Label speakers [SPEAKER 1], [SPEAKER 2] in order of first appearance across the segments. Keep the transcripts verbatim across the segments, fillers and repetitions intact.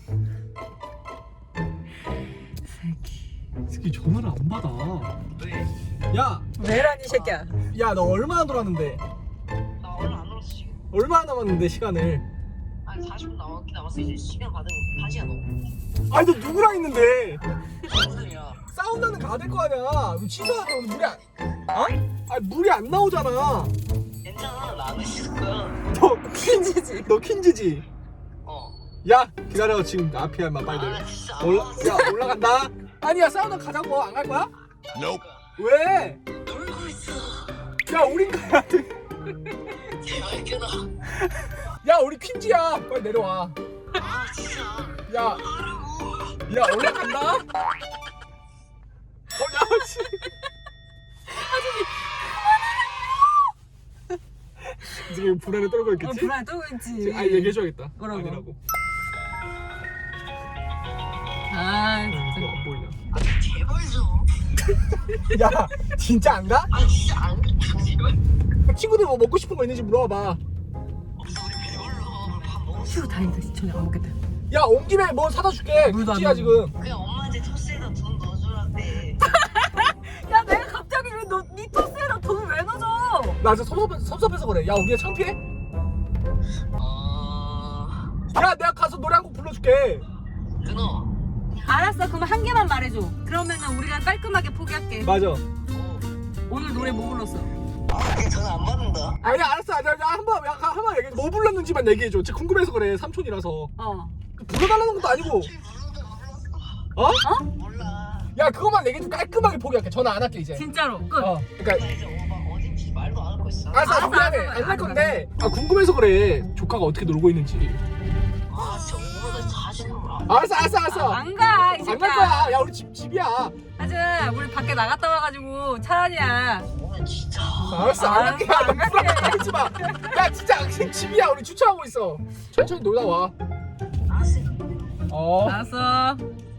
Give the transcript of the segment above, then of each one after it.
[SPEAKER 1] 새끼.
[SPEAKER 2] 이 새끼 전화를 안 받아.
[SPEAKER 3] 왜?
[SPEAKER 2] 야,
[SPEAKER 1] 왜라니 새끼야.
[SPEAKER 2] 야, 너 얼마나 돌았는데?
[SPEAKER 3] 나 얼마 안 놀았어 지금.
[SPEAKER 2] 얼마나 남았는데 시간을?
[SPEAKER 3] 한 사십 분 남았긴 남았어. 이제 시간 받은 거 다시야 너.
[SPEAKER 2] 아니 너 누구랑 있는데?
[SPEAKER 3] 무슨 소리야?
[SPEAKER 2] 싸운다는 거 될 거 아니야. 취소하자. 오늘 물이 안, 어? 아니 물이 안 나오잖아.
[SPEAKER 3] 괜찮아. 나 안 했을 거야.
[SPEAKER 2] 너
[SPEAKER 1] 퀸즈지.
[SPEAKER 2] 너 퀸즈지?
[SPEAKER 3] 어.
[SPEAKER 2] 야, 기다려. 지금 앞이야, 임마. 빨리 내려.
[SPEAKER 3] 아 진짜 안
[SPEAKER 2] 올라,
[SPEAKER 3] 놀았어.
[SPEAKER 2] 야, 올라간다. 아니야, 싸우다 가자고. 안 갈 거야?
[SPEAKER 3] Nope.
[SPEAKER 2] 왜?
[SPEAKER 3] 놀고 있어.
[SPEAKER 2] 야, 우린 가야 돼.
[SPEAKER 3] 제발 끊어.
[SPEAKER 2] 야, 우리 퀸즈야. 빨리 내려와.
[SPEAKER 3] 아 진짜.
[SPEAKER 2] 야,
[SPEAKER 3] 하라고.
[SPEAKER 2] 야, 올라간다. 어, 야, 씨. 지금 불안에 떨고
[SPEAKER 1] 어
[SPEAKER 2] 있겠지?
[SPEAKER 1] 불안해 떨고 있지.
[SPEAKER 2] 아, 얘기해줘야겠다.
[SPEAKER 1] 뭐라고?
[SPEAKER 2] 아니라고.
[SPEAKER 1] 아
[SPEAKER 2] 응,
[SPEAKER 1] 진짜.
[SPEAKER 2] 그거 안 보이냐?
[SPEAKER 3] 아 제발 좀.
[SPEAKER 2] 야, 진짜 안 가?
[SPEAKER 3] 아 진짜 안 가. 제발.
[SPEAKER 2] 친구들 뭐 먹고 싶은 거 있는지 물어봐.
[SPEAKER 3] 없어 우리 배불러. 밥 먹었어.
[SPEAKER 1] 휴 다행이다. 저녁 안 먹겠다.
[SPEAKER 2] 야, 온 김에 뭐 사다 줄게.
[SPEAKER 1] 물도 안
[SPEAKER 2] 굿즈야
[SPEAKER 1] 먹어.
[SPEAKER 2] 지금.
[SPEAKER 3] 그냥 엄마한테 토스에다 돈 넣어주라는데.
[SPEAKER 1] 야 내가 갑자기 왜너네 토스에다 돈을 왜 넣어줘?
[SPEAKER 2] 나 진짜 섭섭해, 섭섭해서 그래. 야, 우리가 창피해?
[SPEAKER 3] 어.
[SPEAKER 2] 야, 내가 가서 노래 한 곡 불러줄게.
[SPEAKER 3] 끊어.
[SPEAKER 1] 알았어. 그럼 한 개만 말해줘. 그러면은 우리가 깔끔하게 포기할게.
[SPEAKER 2] 맞아.
[SPEAKER 3] 어.
[SPEAKER 1] 오늘 노래 뭐 불렀어?
[SPEAKER 3] 아 그냥 전화 안 받는다.
[SPEAKER 2] 아니야, 알았어. 아니야, 야, 한번, 야, 한번 얘기해. 뭐 불렀는지만 얘기해줘. 진짜 궁금해서 그래. 삼촌이라서.
[SPEAKER 1] 어.
[SPEAKER 2] 불러달라는 것도 아니고. 어?
[SPEAKER 1] 어?
[SPEAKER 3] 몰라.
[SPEAKER 2] 야, 그것만 얘기해 좀 깔끔하게 포기할게. 전화 안 할게 이제.
[SPEAKER 1] 진짜로 끝.
[SPEAKER 2] 어, 그러니까.
[SPEAKER 3] 나 이제 오빠 어딘지 말도 안 할 거 있어.
[SPEAKER 2] 알았어,
[SPEAKER 1] 알았어,
[SPEAKER 2] 미안해.
[SPEAKER 1] 알았어,
[SPEAKER 2] 안 할
[SPEAKER 1] 알았어,
[SPEAKER 2] 건데. 아, 궁금해서 그래. 조카가 어떻게 놀고 있는지.
[SPEAKER 3] 아 진짜 오빠가 자신을 몰라.
[SPEAKER 2] 알았어, 알았어, 알았어.
[SPEAKER 1] 안 가. 이
[SPEAKER 2] 안
[SPEAKER 1] 새끼야.
[SPEAKER 2] 갈 거야. 야, 우리 집, 집이야.
[SPEAKER 1] 하자. 우리 밖에 나갔다 와가지고 차라리야.
[SPEAKER 3] 오늘 진짜.
[SPEAKER 2] 알았어, 안 갈게.
[SPEAKER 1] 알았어,
[SPEAKER 2] 야,
[SPEAKER 1] 안
[SPEAKER 2] 너 불안해 하지 마. 야, 진짜 집이야. 우리 주차하고 있어. 천천히 놀다 와.
[SPEAKER 3] 알았어.
[SPEAKER 2] 어.
[SPEAKER 1] 알았어.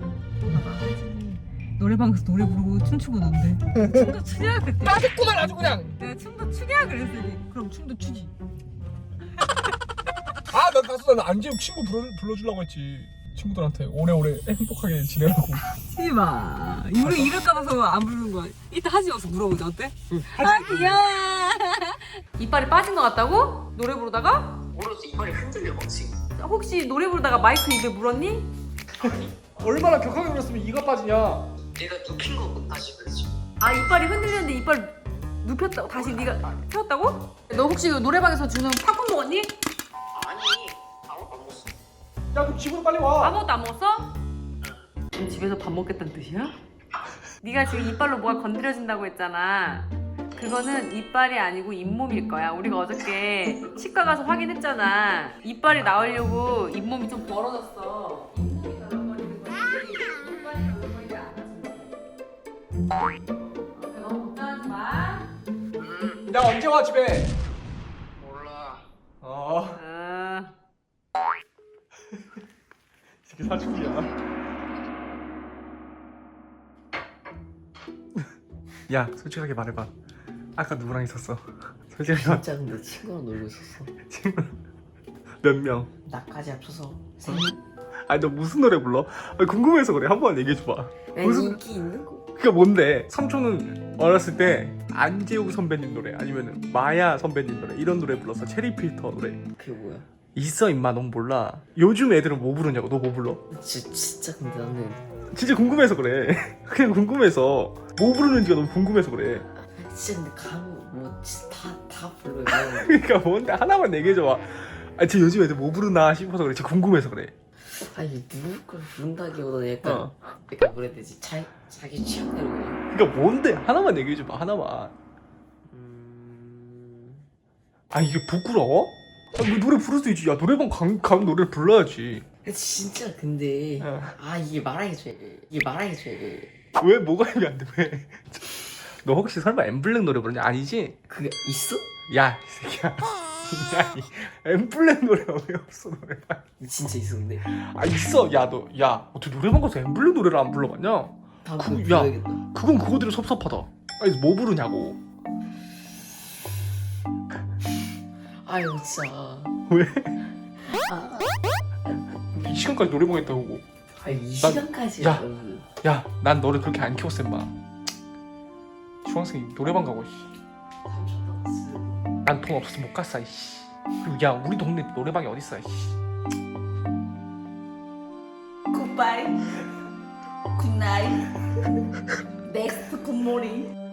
[SPEAKER 1] 노래방 가서 노래 부르고 춤추고 논대. 춤도 추냐 그때.
[SPEAKER 2] 따뜻구만 아주 그냥.
[SPEAKER 1] 내가 춤도 추냐 그랬더니 그럼 춤도 추지.
[SPEAKER 2] 아, 나 가서 나 안재욱 친구 불러, 불러주려고 했지. 친구들한테 오래오래 행복하게 지내라고.
[SPEAKER 1] 하지 마. 우리 이럴까 봐서 안 부르는 거야. 이따 하지 마서 물어보자 어때?
[SPEAKER 2] 응,
[SPEAKER 1] 아 귀여워. 이빨이 빠진 것 같다고? 노래 부르다가?
[SPEAKER 3] 모르겠어 이빨이 흔들려 막 지금.
[SPEAKER 1] 혹시 노래 부르다가 마이크 입에 물었니?
[SPEAKER 2] 얼마나 격하게 울었으면 이가 빠지냐.
[SPEAKER 3] 내가 눕힌 거 다시 그랬지.
[SPEAKER 1] 아 이빨이 흔들렸는데 이빨 눕혔다고? 다시 네가 펴었다고? 너 혹시 노래방에서 주는 팝콘 먹었니?
[SPEAKER 3] 아니 아무것도 안 먹었어.
[SPEAKER 2] 야, 그럼 집으로 빨리 와.
[SPEAKER 1] 아무것도 안 먹었어? 지금 집에서 밥 먹겠다는 뜻이야? 네가 지금 이빨로 뭐가 건드려진다고 했잖아. 그거는 이빨이 아니고 잇몸일 거야. 우리가 어저께 치과 가서 확인했잖아. 이빨이 나오려고 잇몸이 좀 벌어졌어. 잇몸이 덜렁거리는 거지. 이빨이 덜렁거리지 않아. 너무 걱정하지 마.
[SPEAKER 3] 음
[SPEAKER 2] 나 언제 와 집에?
[SPEAKER 3] 몰라.
[SPEAKER 2] 어.
[SPEAKER 1] 아,
[SPEAKER 2] 이렇게 사춘기야. 야, 솔직하게 말해봐. 아까 누구랑 있었어? 솔직하게 말.
[SPEAKER 3] 진짜 근데 친구랑 놀고 있었어.
[SPEAKER 2] 친구 몇 명?
[SPEAKER 3] 나까지 합쳐서 세 명.
[SPEAKER 2] 아니 너 무슨 노래 불러? 아니, 궁금해서 그래. 한번 얘기해줘봐. 무슨
[SPEAKER 3] 인기 있는 거.
[SPEAKER 2] 그게 뭔데? 삼촌은 어렸을 때 안재욱 선배님 노래 아니면 마야 선배님 노래 이런 노래 불렀어. 체리필터 노래.
[SPEAKER 3] 그게 뭐야?
[SPEAKER 2] 있어 임마. 넌 몰라. 요즘 애들은 뭐 부르냐고. 너 뭐 불러?
[SPEAKER 3] 진짜 진짜 근데 나는
[SPEAKER 2] 진짜 궁금해서 그래. 그냥 궁금해서 뭐 부르는지가 너무 궁금해서 그래.
[SPEAKER 3] 진짜 근데 감뭐 진짜 다다 불러요.
[SPEAKER 2] 그러니까 뭔데 하나만 얘기해줘봐. 아, 쟤 요즘 애들 뭐 부르나 싶어서 그래. 진짜 궁금해서 그래.
[SPEAKER 3] 아니 누구 걸 부른다기보다는 약간
[SPEAKER 2] 어.
[SPEAKER 3] 약간 뭐라 해야 되지? 자, 자기 취향대로 그냥.
[SPEAKER 2] 그러니까 뭔데 하나만 얘기해줘봐. 하나만.
[SPEAKER 3] 음...
[SPEAKER 2] 아, 이게 부끄러워? 아, 뭐 노래 부를 수 있지. 야, 노래방 간, 간 노래를 불러야지.
[SPEAKER 3] 진짜 근데
[SPEAKER 2] 어.
[SPEAKER 3] 아 이게 말하기 돼. 이게 말하기 돼.
[SPEAKER 2] 왜 뭐가 이게 안 돼? 왜? 너 혹시 설마 엠블랙 노래 부르냐? 아니지?
[SPEAKER 3] 그게 있어?
[SPEAKER 2] 야, 이 새끼야. 야, 이 엠블랙 노래가 왜 없어 노래방?
[SPEAKER 3] 진짜 있어 근데.
[SPEAKER 2] 아, 있어. 야, 너, 야, 어떻게 노래방 가서 엠블랙 노래를 안 불러봤냐?
[SPEAKER 3] 다음
[SPEAKER 2] 그-
[SPEAKER 3] 그,
[SPEAKER 2] 야.
[SPEAKER 3] 불러야겠다.
[SPEAKER 2] 그건 그거대로 섭섭하다. 아니, 뭐 부르냐고.
[SPEAKER 3] 아유 진짜.
[SPEAKER 2] 왜?
[SPEAKER 3] 아,
[SPEAKER 2] 이 시간까지 노래방 했다고.
[SPEAKER 4] 아이 이
[SPEAKER 2] 난-
[SPEAKER 4] 시간까지.
[SPEAKER 2] 야. 야, 난 너를 그렇게 안 키웠어 임마. 중학생이 노래방 가고 씨. 난 돈 없어서 못 갔어 이씨. 그리고 야 우리 동네 노래방이 어딨어 이씨.
[SPEAKER 4] 굿바이 굿나잇 넥스트 굿모닝